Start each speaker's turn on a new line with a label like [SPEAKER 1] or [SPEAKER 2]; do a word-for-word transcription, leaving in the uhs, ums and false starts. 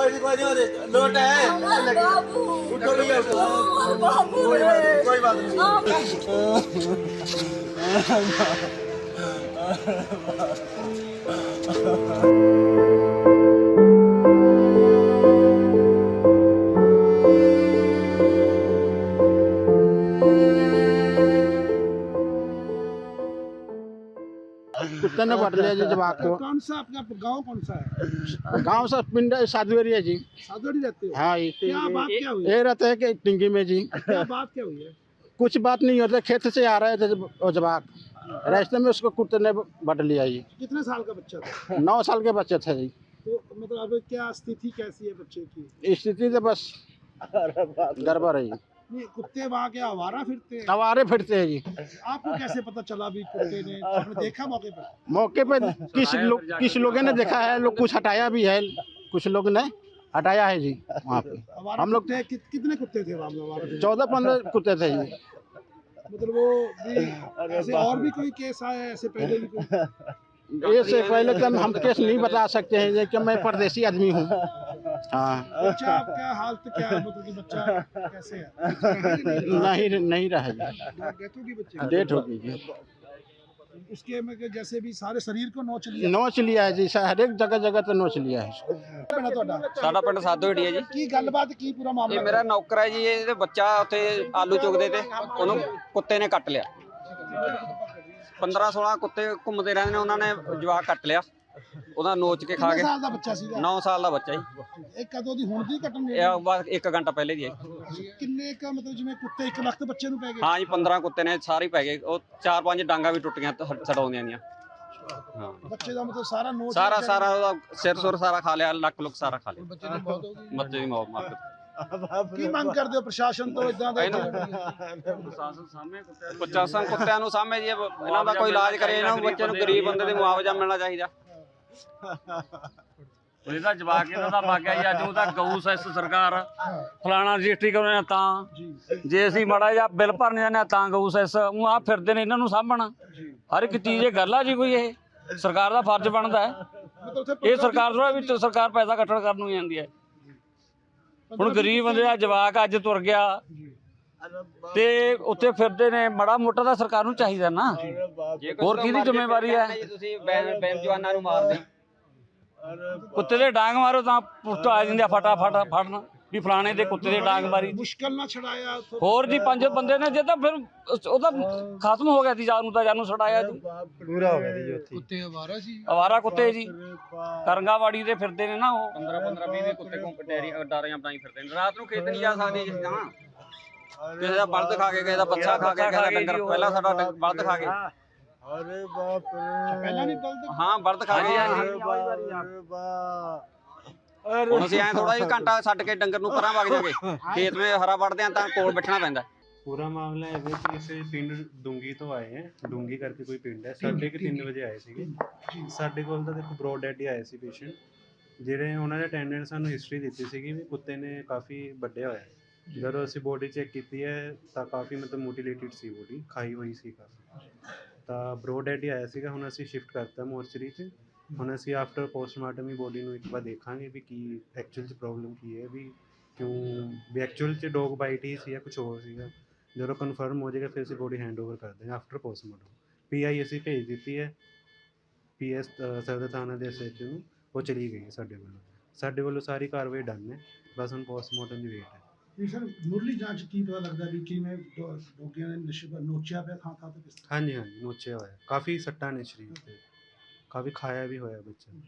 [SPEAKER 1] कोई नहीं कोई नहीं लोट है उठो भैया उठो कोई बात नहीं
[SPEAKER 2] कुत्ते ने पकड़ लिया जी जवाक को।
[SPEAKER 3] कौन सा आपका गांव कौन सा है?
[SPEAKER 2] गांव से पिंड साधुएरी है जी।
[SPEAKER 3] साधुवाड़ी रहते हो?
[SPEAKER 2] हाँ जी।
[SPEAKER 3] क्या बात क्या हुई?
[SPEAKER 2] ये रहते हैं कि टिंगी में जी
[SPEAKER 3] क्या बात क्या हुई है?
[SPEAKER 2] कुछ बात नहीं होता, खेत से आ रहे थे वो जवाक, रास्ते में उसको कुत्ते ने बट लिया जी।
[SPEAKER 3] कितने साल का बच्चा था?
[SPEAKER 2] नौ साल के बच्चे थे जी।
[SPEAKER 3] तो मतलब अब क्या स्थिति कैसी है बच्चे की?
[SPEAKER 2] स्थिति तो बस गड़बड़ है जी।
[SPEAKER 3] नहीं, कुत्ते वहाँ क्या आवारा फिरते हैं?
[SPEAKER 2] आवारे फिरते हैं जी।
[SPEAKER 3] आपको कैसे पता चला भी कुत्ते ने? आपने देखा मौके पर?
[SPEAKER 2] मौके पे किस लोग किस लोगों ने देखा है, लोग कुछ हटाया भी है, कुछ लोग ने हटाया है जी। वहाँ पे
[SPEAKER 3] आवारा
[SPEAKER 2] हम लोग
[SPEAKER 3] कुत्ते कि, कितने कुत्ते थे वहाँ पे आवारा?
[SPEAKER 2] चौदह पंद्रह कुत्ते थे जी।
[SPEAKER 3] मतलब वो भी ऐसे और भी कोई केस आया है ऐसे पहले भी कोई?
[SPEAKER 2] इससे पहले तो हम केस नहीं बता सकते हैं कि मैं परदेसी आदमी हूँ। हाँ
[SPEAKER 3] बच्चा आपका हालत क्या है? मतलब कि बच्चा कैसे है?
[SPEAKER 2] नहीं नहीं रहा जी,
[SPEAKER 3] डेथ होगी बच्चे की?
[SPEAKER 2] डेट हो गई जी।
[SPEAKER 3] उसके में कि जैसे भी सारे शरीर को नोच लिया।
[SPEAKER 2] नोच लिया है जी, हर एक जगह जगह तो नोच लिया है इसको।
[SPEAKER 3] ਪਿੰਡ ਤੁਹਾਡਾ
[SPEAKER 4] ਸਾਡਾ ਪਿੰਡ ਸਾਧੂਹੇੜੀ ਹੈ ਜੀ।
[SPEAKER 3] ਕੀ ਗੱਲਬਾਤ ਕੀ ਪੂਰਾ
[SPEAKER 4] ਇਹ
[SPEAKER 3] ਮਾਮਲਾ?
[SPEAKER 4] ਮੇਰਾ ਨੌਕਰ ਹੈ ਜੀ, ਇਹਦੇ ਬੱਚਾ ਉੱਥੇ ਆਲੂ ਚੁਗਦੇ ਤੇ ਉਹਨੂੰ ਕੁੱਤੇ ਨੇ ਕੱਟ ਲਿਆ। ਪੰਦਰਾਂ ਸੋਲਾਂ ਕੁੱਤੇ ਘੁੰਮਦੇ ਰਹਿੰਦੇ ਨੇ, ਉਹਨਾਂ ਨੇ ਜਵਾਕ ਕੱਟ ਲਿਆ, ਉਹਦਾ ਨੋਚ ਕੇ ਖਾ
[SPEAKER 3] ਕਿੰਨੇ
[SPEAKER 4] ਗਏ।
[SPEAKER 3] ਸਾਲ ਦਾ ਬੱਚਾ ਸੀਗਾ?
[SPEAKER 4] ਨੌ ਸਾਲ ਦਾ ਬੱਚਾ ਜੀ।
[SPEAKER 3] ਇਹ ਕਦੋਂ ਦੀ ਹੁਣ ਦੀ ਘਟਨਾ ਹੈ?
[SPEAKER 4] ਇਹ ਬਸ ਇੱਕ ਘੰਟਾ ਪਹਿਲੇ ਦੀ ਹੈ।
[SPEAKER 3] ਕਿੰਨੇ ਕ ਮਤਲਬ ਜਿਵੇਂ ਕੁੱਤੇ ਇੱਕ ਵਕਤ ਬੱਚੇ ਨੂੰ ਪੈ ਗਏ?
[SPEAKER 4] ਹਾਂ ਜੀ, ਪੰਦਰਾਂ ਕੁੱਤੇ ਨੇ, ਸਾਰੇ ਪੈ ਗਏ। ਉਹ ਚਾਰ ਪੰਜ ਡਾਂਗਾ ਵੀ ਟੁੱਟ ਗਈਆਂ ਛਡਾਉਂਦੀਆਂ ਦੀਆਂ। ਹਾਂ,
[SPEAKER 3] ਬੱਚੇ ਦਾ ਮਤਲਬ ਸਾਰਾ ਨੋਚ
[SPEAKER 4] ਸਾਰਾ ਸਾਰਾ ਉਹਦਾ ਸਿਰ ਸੁਰ ਸਾਰਾ ਖਾ ਲਿਆ, ਲੱਕ ਲੁੱਕ ਸਾਰਾ ਖਾ ਲਿਆ।
[SPEAKER 3] ਬੱਚੇ ਦੀ ਮੌਤ ਹੋ ਗਈ।
[SPEAKER 4] ਬੱਚੇ ਦੀ ਮੌਤ ਮਾਰ ਦਿੱਤੀ।
[SPEAKER 3] ਕੀ ਮੰਗ ਕਰਦੇ ਹੋ ਪ੍ਰਸ਼ਾਸਨ ਤੋਂ ਇਦਾਂ ਦਾ?
[SPEAKER 4] ਪ੍ਰਸ਼ਾਸਨ ਕੁੱਤਿਆਂ ਨੂੰ ਸਾਹਮਣੇ ਜੀ ਇਹਨਾਂ ਦਾ ਕੋਈ ਇਲਾਜ ਕਰੇ, ਇਹਨਾਂ ਨੂੰ ਬੱਚੇ ਨੂੰ ਗਰੀਬ ਬੰਦੇ ਦੇ ਮੁਆਵਜ਼ਾ ਮਿਲਣਾ ਚਾਹੀਦਾ।
[SPEAKER 5] ਇਹਦਾ ਜਵਾਕ ਇਹਨਾਂ ਦਾ ਵਗ ਗਿਆ ਜੀ। ਅੱਜ ਉਹਦਾ ਗਊ ਸੈਸ ਸਰਕਾਰ ਫਲਾਣਾ ਰਜਿਸਟਰੀ ਕਰਾਉਣਾ ਤਾਂ ਜੇ ਅਸੀਂ ਮਾੜਾ ਜਿਹਾ ਬਿੱਲ ਭਰਨ ਜਾਂਦੇ ਹਾਂ ਤਾਂ ਗਊ ਸੈਸ ਉਹ ਆ ਫਿਰਦੇ ਨੇ ਇਹਨਾਂ ਨੂੰ ਸਾਂਭਣਾ। ਹਰ ਇੱਕ ਚੀਜ਼ ਇਹ ਗੱਲ ਆ ਜੀ, ਕੋਈ ਇਹ ਸਰਕਾਰ ਦਾ ਫਰਜ਼ ਬਣਦਾ ਹੈ। ਇਹ ਸਰਕਾਰ ਥੋੜਾ ਵੀ ਸਰਕਾਰ ਪੈਸਾ ਇਕੱਠਾ ਕਰਨ ਨੂੰ ਜਾਂਦੀ ਹੈ। ਹੁਣ ਗਰੀਬ ਬੰਦੇ ਦਾ ਜਵਾਕ ਅੱਜ ਤੁਰ ਗਿਆ ਤੇ ਉੱਥੇ ਫਿਰਦੇ ਨੇ, ਮਾੜਾ ਮੋਟਾ ਤਾਂ ਸਰਕਾਰ ਨੂੰ ਚਾਹੀਦਾ ਨਾ। ਹੋਰ ਕਿਹਦੀ ਜ਼ਿੰਮੇਵਾਰੀ ਹੈ?
[SPEAKER 4] ਤੁਸੀਂ ਬੇਜਵਾਨਾਂ ਨੂੰ ਮਾਰਦੇ
[SPEAKER 5] ਕੁੱਤੇ ਦੇ ਡਾਂਗ ਮਾਰੋ ਤਾਂ ਪੁੱਤ ਆ ਜਾਂਦੇ ਆ ਫਟਾਫਟ ਫੜਨ ਵੀ ਫਲਾਣੇ ਦੇ ਕੁੱਤੇ ਦੇ ਡਾਂਗ ਮਾਰੀ।
[SPEAKER 3] ਮੁਸ਼ਕਲ ਨਾਲ ਛੜਾਇਆ ਉੱਥੋਂ।
[SPEAKER 5] ਹੋਰ ਜੀ ਪੰਜ ਬੰਦੇ ਨੇ, ਜੇ ਤਾਂ ਫਿਰ ਉਹਦਾ ਖਤਮ ਹੋ ਗਿਆ ਸੀ ਜਾਨ ਨੂੰ, ਤਾਂ ਜਾਨੂੰ ਛੜਾਇਆ ਜੀ।
[SPEAKER 1] ਪੂਰਾ ਹੋ ਗਿਆ ਜੀ ਉੱਥੇ।
[SPEAKER 3] ਕੁੱਤੇ ਆਵਾਰਾ ਸੀ।
[SPEAKER 5] ਅਵਾਰਾ ਕੁੱਤੇ ਜੀ ਕਰੰਗਾਵਾੜੀ ਦੇ ਫਿਰਦੇ ਨੇ ਨਾ ਉਹ।
[SPEAKER 4] ਪੰਦਰਾਂ ਪੰਦਰਾਂ ਵੀਹ ਵੀਹ ਕੁੱਤੇ ਘੁੰਮ ਡੈਰੀਆਂ ਡਾਰੀਆਂ ਬਣਾਈ ਫਿਰਦੇ ਨੇ। ਰਾਤ ਨੂੰ ਖੇਤ ਨਹੀਂ ਜਾ ਸਕਦੇ ਜਿਸ ਤਾਂ ਕਿਸੇ ਦਾ ਬਲਦ ਖਾ ਕੇ, ਕਿਸੇ ਦਾ ਬੱਚਾ ਖਾ ਕੇ, ਕਿਸੇ ਦਾ ਡੰਗਰ। ਪਹਿਲਾਂ ਸਾਡਾ ਡੰਗ- ਬਲਦ ਖਾ ਗਏ।
[SPEAKER 1] अरे बाप रे
[SPEAKER 3] ਪਹਿਲਾਂ ਵੀ ਬਲਦ?
[SPEAKER 4] ਹਾਂ ਬਲਦ ਖਾ ਗਏ।
[SPEAKER 1] अरे बाप
[SPEAKER 4] ਹੁਣ ਅਸੀਂ ਐਂ ਥੋੜਾ ਜਿਹਾ ਘੰਟਾ ਛੱਡ ਕੇ ਡੰਗਰ ਨੂੰ ਪਰਾਂ ਵਗ ਜਾਗੇ, ਖੇਤ ਵਿੱਚ ਹਰਾ ਵੜਦੇ ਆ ਤਾਂ ਕੋਲ ਬੈਠਣਾ ਪੈਂਦਾ।
[SPEAKER 6] पूरा मामला है कि इसे पिंड डूंगी तो आए हैं। डूंगी करके कोई पिंड है। साढ़े के तीन बजे आए थे। साढ़े कोल ਤਾਂ ਦੇਖੋ ਬਰੋਡ ਡੈਡ ਹੀ ਆਏ ਸੀ ਪੇਸ਼ੈਂਟ, ਜਿਹੜੇ ਉਹਨਾਂ ਦੇ ਅਟੈਂਡੈਂਟ ਸਾਨੂੰ ਹਿਸਟਰੀ ਦਿੱਤੀ ਸੀਗੀ ਵੀ ਕੁੱਤੇ ਨੇ ਕਾਫੀ ਵੱਢਿਆ ਹੋਇਆ। ਜਦੋਂ ਅਸੀਂ ਬੋਡੀ ਚੈੱਕ ਕੀਤੀ ਹੈ ਤਾਂ ਕਾਫੀ ਮਤਲਬ ਮੋਟੀਲੇਟਿਡ ਸੀ, ਬੋਡੀ ਖਾਈ ਹੋਈ ਸੀ ਕਾਫੀ। ਤਾਂ ਬਰੋਡ ਡੈਡ ਹੀ ਆਇਆ ਸੀਗਾ। ਹੁਣ ਅਸੀਂ ਸ਼ਿਫਟ ਕਰਤਾ ਮੋਰਚਰੀ 'ਚ। ਹੁਣ ਅਸੀਂ ਆਫਟਰ ਪੋਸਟਮਾਰਟਮ ਹੀ ਬੋਡੀ ਨੂੰ ਇੱਕ ਵਾਰ ਦੇਖਾਂਗੇ ਵੀ ਕੀ ਐਕਚੁਅਲ 'ਚ ਪ੍ਰੋਬਲਮ ਕੀ ਹੈ, ਵੀ ਕਿਉਂ ਵੀ ਐਕਚੁਅਲ 'ਚ ਡੋਗ ਬਾਈਟ ਹੀ ਸੀ ਜਾਂ ਕੁਛ ਹੋਰ ਸੀਗਾ। ਜਦੋਂ ਕਨਫਰਮ ਹੋ ਜਾਏਗਾ ਫਿਰ ਅਸੀਂ ਬੋਡੀ ਹੈਂਡ ਓਵਰ ਕਰ ਦੇਂਗੇ ਆਫਟਰ ਪੋਸਟਮਾਰਟਮ। ਪੀ ਆਈ ਅਸੀਂ ਭੇਜ ਦਿੱਤੀ ਹੈ ਪੀ ਐਸ ਸਦਰ ਥਾਣਾ ਦੇ ਐਸ ਐਚ ਓ ਨੂੰ, ਉਹ ਚਲੀ ਗਈ ਹੈ ਸਾਡੇ ਵੱਲੋਂ। ਸਾਡੇ ਵੱਲੋਂ ਸਾਰੀ ਕਾਰਵਾਈ ਡਨ ਹੈ, ਬਸ ਹੁਣ ਪੋਸਟਮਾਰਟਮ ਦੀ ਵੇਟ ਹੈ।
[SPEAKER 3] ਇਹ ਸਰ ਮੁੱਢਲੀ ਜਾਂਚ ਕੀ ਪਤਾ ਲੱਗਦਾ ਵੀ ਕਿਵੇਂ ਡੋਗਿਆਂ ਨੇ ਨਸ਼ੇ ਨੋਚਿਆ ਪਿਆ ਥਾਂ ਥਾਂ ਤੇ?
[SPEAKER 6] ਹਾਂਜੀ ਹਾਂਜੀ ਨੋਚਿਆ ਹੋਇਆ, ਕਾਫੀ ਸੱਟਾਂ ਨੇ ਸਰੀਰ 'ਤੇ, ਕਾਫੀ ਖਾਇਆ ਵੀ ਹੋਇਆ ਬੱਚਾ।